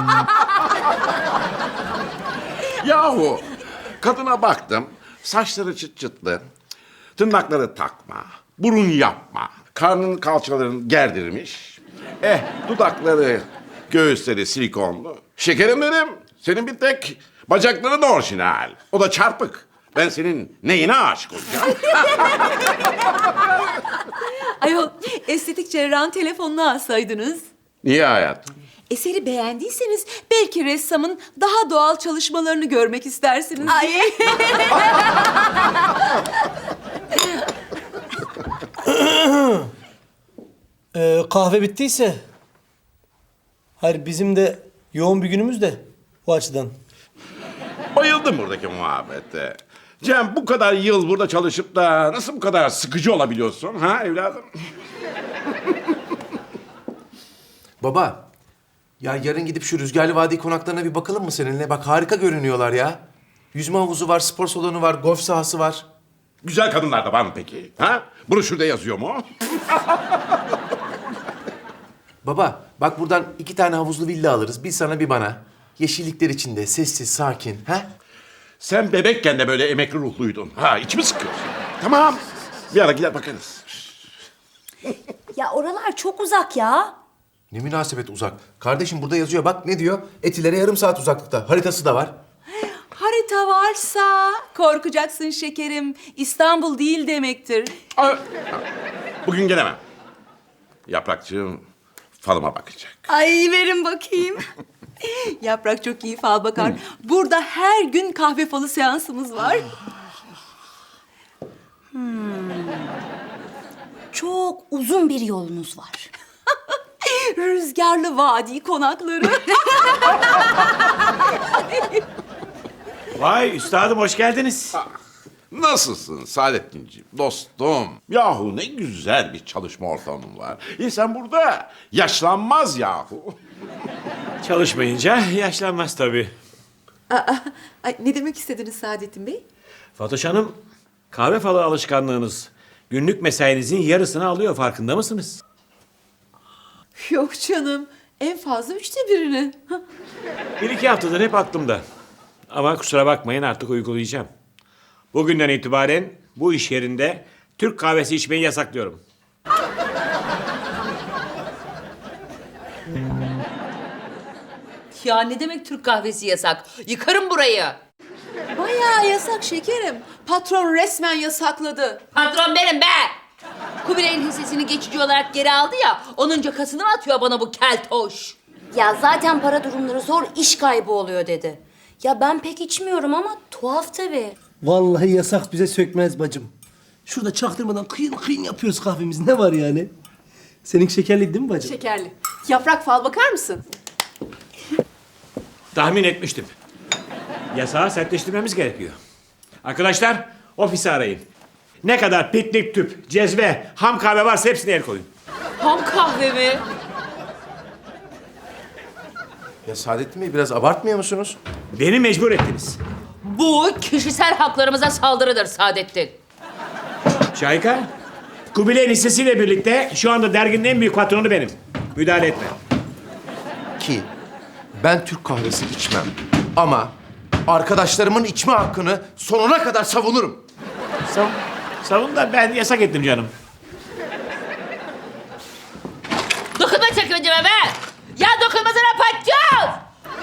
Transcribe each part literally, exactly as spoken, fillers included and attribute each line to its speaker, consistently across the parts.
Speaker 1: Yahu kadına baktım. Saçları çıt çıtlı. Tırnakları takma. Burun yapma. Karnın kalçalarını gerdirmiş. Eh dudakları, göğüsleri silikonlu. Şekerim benim. Senin bir tek bacakların orijinal. O da çarpık. Ben senin neyine aşık olacağım?
Speaker 2: Ayol, estetik cerrahın telefonunu alsaydınız.
Speaker 1: Niye hayatım?
Speaker 2: Eseri beğendiyseniz belki ressamın daha doğal çalışmalarını görmek istersiniz diye.
Speaker 3: Ee, kahve bittiyse... Hayır, bizim de yoğun bir günümüz de o açıdan.
Speaker 1: Bayıldım buradaki muhabbete. Cem bu kadar yıl burada çalışıp da nasıl bu kadar sıkıcı olabiliyorsun ha evladım?
Speaker 4: Baba, ya yarın gidip şu Rüzgarlı Vadi konaklarına bir bakalım mı seninle? Bak harika görünüyorlar ya. Yüzme havuzu var, spor salonu var, golf sahası var.
Speaker 1: Güzel kadınlar da var mı peki? Ha? Broşürde yazıyor mu?
Speaker 4: Baba, bak buradan iki tane havuzlu villa alırız. Bir sana bir bana. Yeşillikler içinde, sessiz, sakin. Ha?
Speaker 1: Sen bebekken de böyle emekli ruhluydun. Ha içimi sıkıyorsun. Tamam. Bir ara gider bakarız.
Speaker 5: Ya oralar çok uzak ya.
Speaker 4: Ne münasebet uzak. Kardeşim burada yazıyor. Bak ne diyor? Etilere yarım saat uzaklıkta. Haritası da var.
Speaker 2: Harita varsa korkacaksın şekerim. İstanbul değil demektir.
Speaker 1: Aa, bugün gelemem. Yaprakçığım falıma bakacak.
Speaker 2: Ay verin bakayım. Yaprak çok iyi fal bakar. Burada her gün kahve falı seansımız var.
Speaker 5: Çok uzun bir yolunuz var.
Speaker 2: Rüzgarlı Vadi konakları.
Speaker 6: Vay üstadım hoş geldiniz.
Speaker 1: Nasılsın Saadettinciğim, dostum? Yahu ne güzel bir çalışma ortamın var. İnsan burada yaşlanmaz yahu.
Speaker 6: Çalışmayınca yaşlanmaz tabii.
Speaker 2: Aa, ay, ne demek istediniz Saadettin Bey?
Speaker 6: Fatoş Hanım, kahve falı alışkanlığınız günlük mesainizin yarısını alıyor farkında mısınız?
Speaker 2: Yok canım. En fazla üçte birini.
Speaker 6: Bir iki haftadır hep aklımda. Ama kusura bakmayın artık uygulayacağım. Bugünden itibaren bu iş yerinde Türk kahvesi içmeyi yasaklıyorum.
Speaker 7: Ya ne demek Türk kahvesi yasak? Yıkarım burayı.
Speaker 2: Bayağı yasak şekerim. Patron resmen yasakladı.
Speaker 7: Patron benim be! Kubilay'ın hissesini geçici olarak geri aldı ya, onun cakasını mı atıyor bana bu keltoş?
Speaker 5: Ya zaten para durumları zor, iş kaybı oluyor dedi. Ya ben pek içmiyorum ama tuhaf tabii.
Speaker 3: Vallahi yasak bize sökmez bacım. Şurada çaktırmadan kıyın kıyın yapıyoruz kahvemizi. Ne var yani? Seninki şekerli değil mi bacım?
Speaker 2: Şekerli. Yaprak fal bakar mısın?
Speaker 6: Tahmin etmiştim. Yasağı sertleştirmemiz gerekiyor. Arkadaşlar ofisi arayın. Ne kadar piknik tüp, cezve, ham kahve varsa hepsine el koyun.
Speaker 7: Ham kahve mi?
Speaker 4: Ya Saadettin Bey biraz abartmıyor musunuz?
Speaker 6: Beni mecbur ettiniz.
Speaker 7: Bu kişisel haklarımıza saldırıdır Saadettin.
Speaker 6: Şahika, Kubilay'ın hissesiyle birlikte şu anda derginin en büyük patronu benim. Müdahale etme.
Speaker 4: Ki ben Türk kahvesi içmem. Ama arkadaşlarımın içme hakkını sonuna kadar savunurum.
Speaker 6: Sav savun da ben yasak ettim canım.
Speaker 7: Dokunma çekmecime be! Ya dokunmasana patacağız!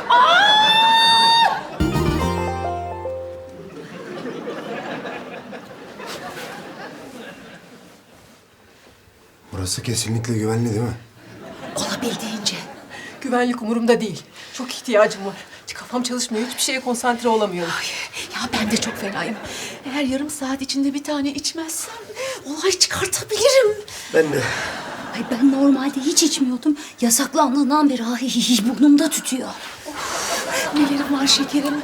Speaker 8: Burası kesinlikle güvenli değil mi?
Speaker 2: Olabildiğince.
Speaker 9: Güvenlik umurumda değil. Çok ihtiyacım var. Kafam çalışmıyor. Hiçbir şeye konsantre olamıyorum.
Speaker 2: Ya ben de çok fenayım. Eğer yarım saat içinde bir tane içmezsem olay çıkartabilirim.
Speaker 3: Ben de.
Speaker 5: Ay ben normalde hiç içmiyordum. Yasaklandığından beri ay, burnumda tütüyor.
Speaker 2: Nelerim var şekerim.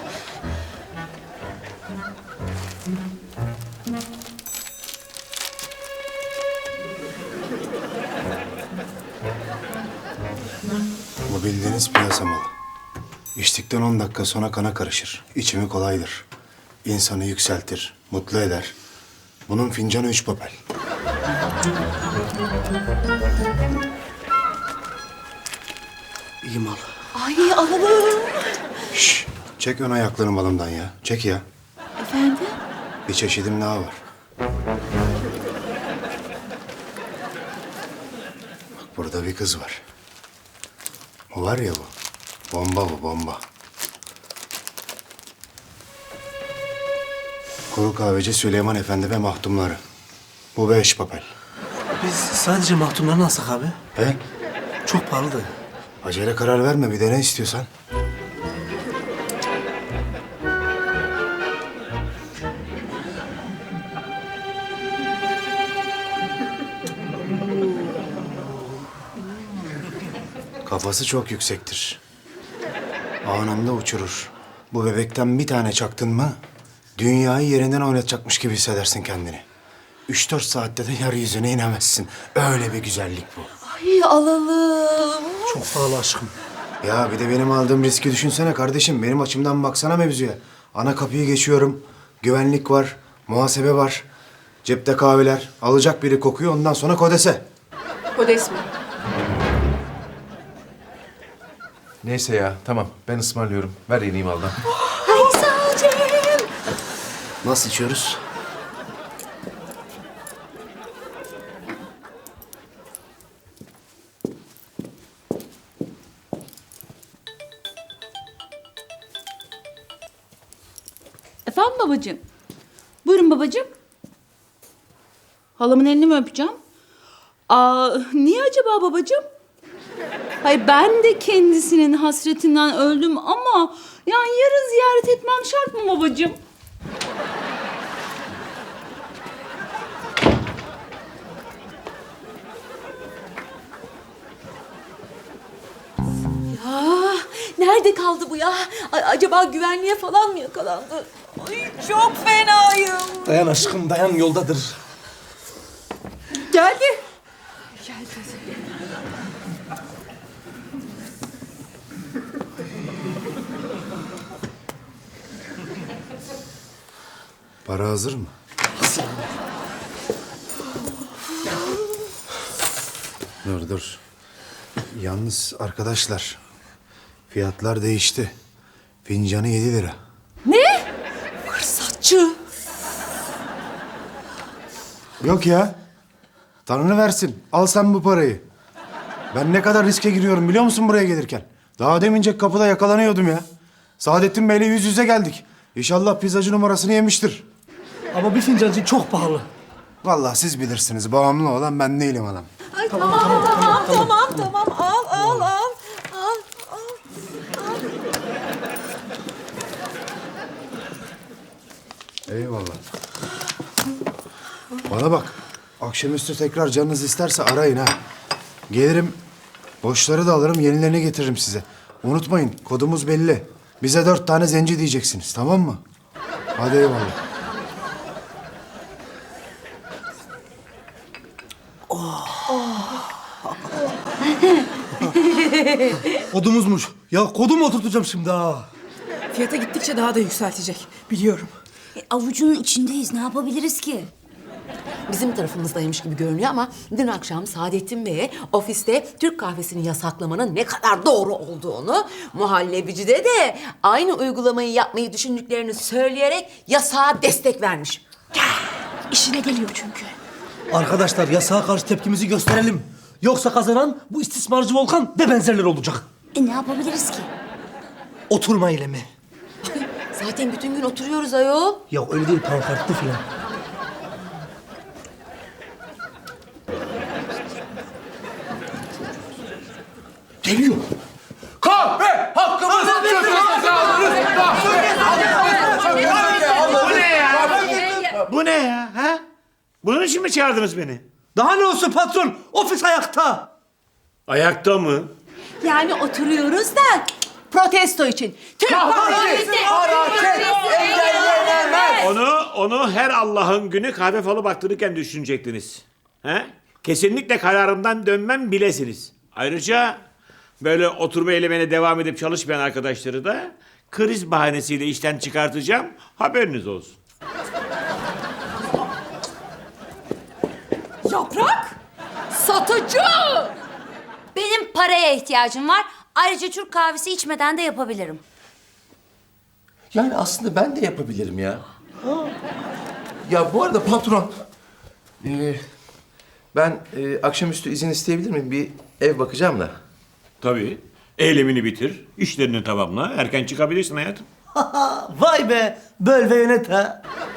Speaker 8: Bu bildiğiniz piyasa malı. İçtikten on dakika sonra kana karışır. İçimi kolaydır. İnsanı yükseltir, mutlu eder. Bunun fincanı üç papel.
Speaker 3: İyi mal.
Speaker 2: Ay alalım.
Speaker 8: Şş, çek ön ayaklarını balımdan ya. Çek ya.
Speaker 2: Efendim?
Speaker 8: Bir çeşidim daha var. Bak burada bir kız var. O var ya bu. Bomba bu bomba. Kuru kahveci Süleyman Efendi ve mahtumları. Bu beş papel.
Speaker 3: Biz sadece mahtumlarını alsak abi.
Speaker 8: He?
Speaker 3: Çok pahalı da.
Speaker 8: Acele karar verme. Bir de ne istiyorsan. Kafası çok yüksektir. Anında uçurur. Bu bebekten bir tane çaktın mı... dünyayı yerinden oynatacakmış gibi hissedersin kendini. Üç dört saatte de yeryüzüne inemezsin. Öyle bir güzellik bu.
Speaker 2: Ay alalım.
Speaker 3: Çok pahalı aşkım.
Speaker 8: Ya bir de benim aldığım riski düşünsene kardeşim. Benim açımdan baksana mevzuya. Ana kapıyı geçiyorum. Güvenlik var, muhasebe var. Cepte kahveler. Alacak biri kokuyor, ondan sonra kodese.
Speaker 9: Kodes mi?
Speaker 4: Neyse ya tamam ben ısmarlıyorum. Ver yeneyim maldan.
Speaker 2: Ay sağ ol Cem.
Speaker 8: Nasıl içiyoruz?
Speaker 7: Efendim babacığım? Buyurun babacığım. Halamın elini mi öpeceğim? Aa, niye acaba babacığım? Hayır ben de kendisinin hasretinden öldüm ama yani yarın ziyaret etmem şart mı babacığım?
Speaker 2: Ah, nerede kaldı bu ya? Ay, acaba güvenliğe falan mı yakalandı? Ay çok fenayım.
Speaker 3: Dayan aşkım dayan yoldadır.
Speaker 2: Geldi.
Speaker 8: Para hazır mı? Dur dur. Yalnız arkadaşlar, fiyatlar değişti. Fincanı yedi lira.
Speaker 2: Fırsatçı.
Speaker 8: Yok ya. Tanrı versin. Al sen bu parayı. Ben ne kadar riske giriyorum biliyor musun buraya gelirken? Daha demince kapıda yakalanıyordum ya. Saadettin Bey'le yüz yüze geldik. İnşallah pizzacı numarasını yemiştir.
Speaker 3: Ama bir fincancı çok pahalı.
Speaker 8: Vallahi siz bilirsiniz. Bağımlı olan ben değilim adam.
Speaker 2: Ay tamam tamam tamam tamam, tamam. Al al al. Al al.
Speaker 8: Eyvallah. Bana bak. Akşamüstü tekrar canınız isterse arayın ha. Gelirim. Boşları da alırım, yenilerini getiririm size. Unutmayın, kodumuz belli. Bize dört tane zenci diyeceksiniz, tamam mı? Hadi eyvallah.
Speaker 3: Kodumuzmuş. Ya kodumu oturtacağım şimdi ha.
Speaker 9: Fiyata gittikçe daha da yükseltecek. Biliyorum.
Speaker 5: E, avucunun içindeyiz. Ne yapabiliriz ki?
Speaker 10: Bizim tarafımızdaymış gibi görünüyor ama dün akşam Saadettin Bey'e ofiste Türk kahvesini yasaklamanın ne kadar doğru olduğunu, muhallebicide de aynı uygulamayı yapmayı düşündüklerini söyleyerek yasağa destek vermiş.
Speaker 2: İşine geliyor çünkü.
Speaker 3: Arkadaşlar yasağa karşı tepkimizi gösterelim. Yoksa kazanan bu istismarcı Volkan ve benzerleri olacak.
Speaker 5: E ne yapabiliriz ki?
Speaker 3: Oturma eylemi.
Speaker 10: Zaten bütün gün oturuyoruz ayol.
Speaker 3: Ya öyle değil pankartlı filan. Geliyor.
Speaker 4: Kahve hakkımızı
Speaker 6: Bu ne ya? Bu ne ya? Ha? Bunun için mi çağırdınız beni?
Speaker 3: Daha ne olsun patron? Ofis ayakta.
Speaker 6: Ayakta mı?
Speaker 2: Yani oturuyoruz da protesto için. Türk kahvesi.
Speaker 6: Onu onu her Allah'ın günü kahve falı baktırırken düşünecektiniz. He? Kesinlikle kararımdan dönmem bilesiniz. Ayrıca böyle oturma eylemine devam edip çalışmayan arkadaşları da kriz bahanesiyle işten çıkartacağım. Haberiniz olsun.
Speaker 2: Yaprak. Satıcı.
Speaker 5: Benim paraya ihtiyacım var. Ayrıca Türk kahvesi içmeden de yapabilirim.
Speaker 4: Yani aslında ben de yapabilirim ya. Ya bu arada patron, ee, ben e, akşamüstü izin isteyebilir miyim? Bir ev bakacağım da.
Speaker 6: Tabii. Eylemini bitir, işlerini tamamla, erken çıkabilirsin hayatım.
Speaker 3: Vay be, böl ve yönet ha.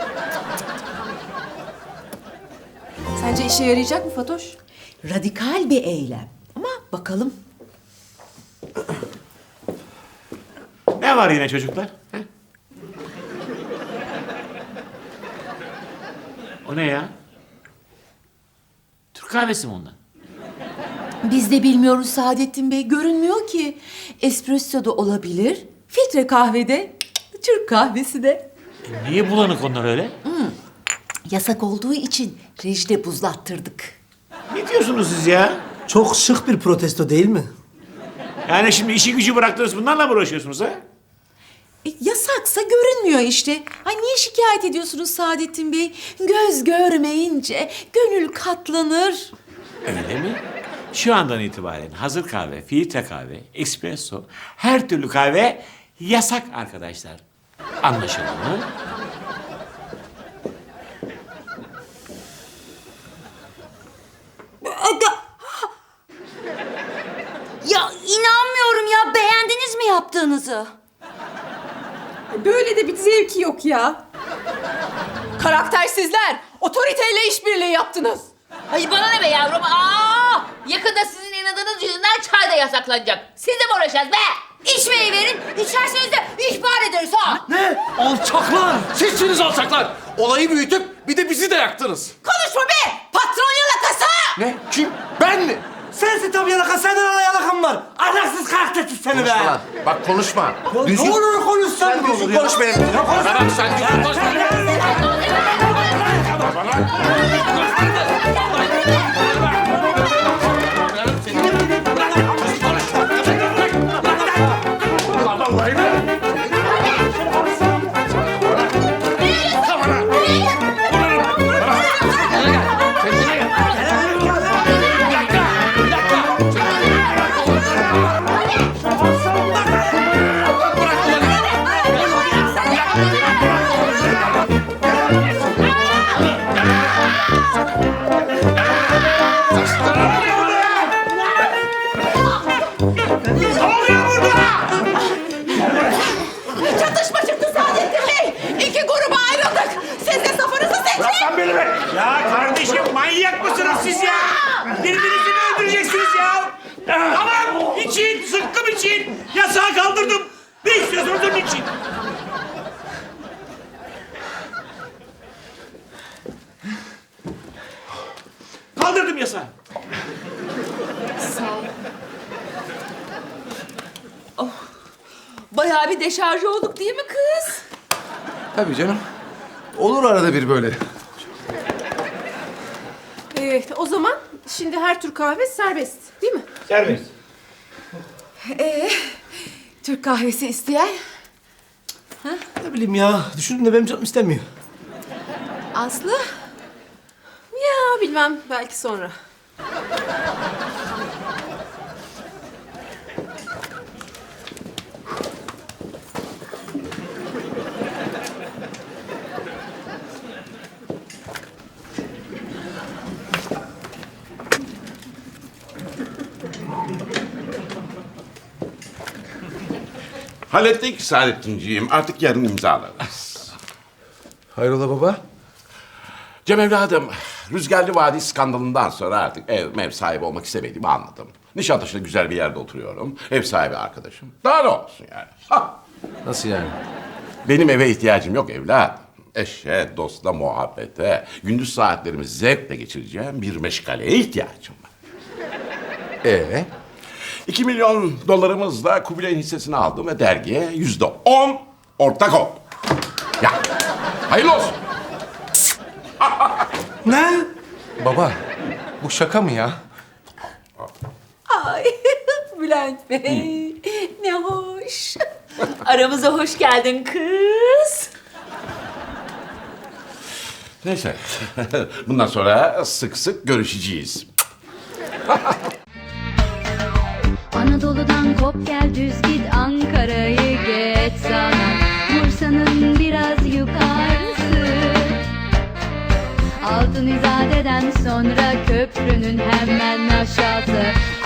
Speaker 9: Sence işe yarayacak mı Fatoş?
Speaker 10: Radikal bir eylem. Ama bakalım.
Speaker 6: Ne var yine çocuklar? He? O ne ya? Türk kahvesi mi ondan?
Speaker 10: Biz de bilmiyoruz Saadettin Bey. Görünmüyor ki. Espresso da olabilir. Filtre kahvede. Türk kahvesi de.
Speaker 6: E niye bulanık onlar öyle?
Speaker 10: Yasak olduğu için rejide buzlattırdık.
Speaker 6: Ne diyorsunuz siz ya?
Speaker 3: Çok şık bir protesto değil mi?
Speaker 6: Yani şimdi işi gücü bıraktınız bunlarla mı uğraşıyorsunuz ha?
Speaker 10: E, yasaksa görünmüyor işte. Ay niye şikayet ediyorsunuz Saadettin Bey? Göz görmeyince gönül katlanır.
Speaker 6: Öyle mi? Şu andan itibaren hazır kahve, filtre kahve, espresso, her türlü kahve yasak arkadaşlar. Anlaşıldı mı?
Speaker 5: Ya inanmıyorum ya. Beğendiniz mi yaptığınızı?
Speaker 9: Böyle de bir zevki yok ya. Karaktersizler, otoriteyle işbirliği yaptınız.
Speaker 7: Ay bana ne be yavrum? Aa! Yakında sizin inadınız yüzünden çay da yasaklanacak. Siz de mi uğraşacağız be?
Speaker 5: İçmeyi verin. İçerseniz de ihbar ederiz ha.
Speaker 3: Ne? Alçaklar!
Speaker 4: Sizsiniz alçaklar. Olayı büyütüp bir de bizi de yaktınız.
Speaker 5: Konuşma be. Patron yalakası.
Speaker 4: Ne? Kim? Ben mi?
Speaker 3: Sensin tabii yalaka, senden ana yalakan var. Ahlaksız karaktersiz seni be.
Speaker 4: Konuşma lan. Bak konuşma.
Speaker 3: Ne olur konuşsan
Speaker 4: Sen
Speaker 3: ne olur
Speaker 4: düzgün
Speaker 3: ya?
Speaker 4: konuş benimle. Bak sen düzgün konuş benimle.
Speaker 9: Çatışma çıktı Saadettin Bey. İki gruba ayrıldık. Siz de safınızı seçin.
Speaker 6: Bırak beni be! Ya kardeşim manyak mısınız siz ya? Birbirinizi mi öldüreceksiniz ya? Tamam için, sıkkım için. Yasağı kaldırdım. Ne istiyorsunuz onun için? Kaldırdım yasağı.
Speaker 7: Bayağı bir deşarj olduk değil mi kız?
Speaker 4: Tabii canım. Olur arada bir böyle.
Speaker 9: Evet, o zaman şimdi her tür kahve serbest, değil mi?
Speaker 6: Serbest.
Speaker 10: Ee, Türk kahvesi isteyen?
Speaker 3: Ne bileyim ya, düşündüm de benim canım istemiyor.
Speaker 10: Aslı?
Speaker 9: Ya bilmem, belki sonra.
Speaker 1: Hallettik Saadettinciğim. Artık yarın imzalarız.
Speaker 4: Hayrola baba?
Speaker 1: Cem evladım, Rüzgarlı Vadi skandalından sonra artık ev mev sahibi olmak istemediğimi anladım. Nişantaşı'nda güzel bir yerde oturuyorum. Ev sahibi arkadaşım. Daha ne olsun yani? Ha!
Speaker 4: Nasıl yani?
Speaker 1: Benim eve ihtiyacım yok evlat. Eşe, dosta, muhabbete, gündüz saatlerimi zevkle geçireceğim bir meşgaleye ihtiyacım var.
Speaker 4: Ee?
Speaker 1: İki milyon dolarımızla Kubilay'ın hissesini aldım ve dergiye yüzde on ortak ol. Ya, hayırlı olsun.
Speaker 3: Ne?
Speaker 4: Baba, bu şaka mı ya?
Speaker 7: Ay Bülent Bey ne hoş. Aramıza hoş geldin kız.
Speaker 1: Neyse, bundan sonra sık sık görüşeceğiz.
Speaker 11: Anadolu Metrodan kop gel düz git Ankara'yı geç sana Bursa'nın biraz yukarısı Altın İzade'den sonra köprünün hemen aşağısı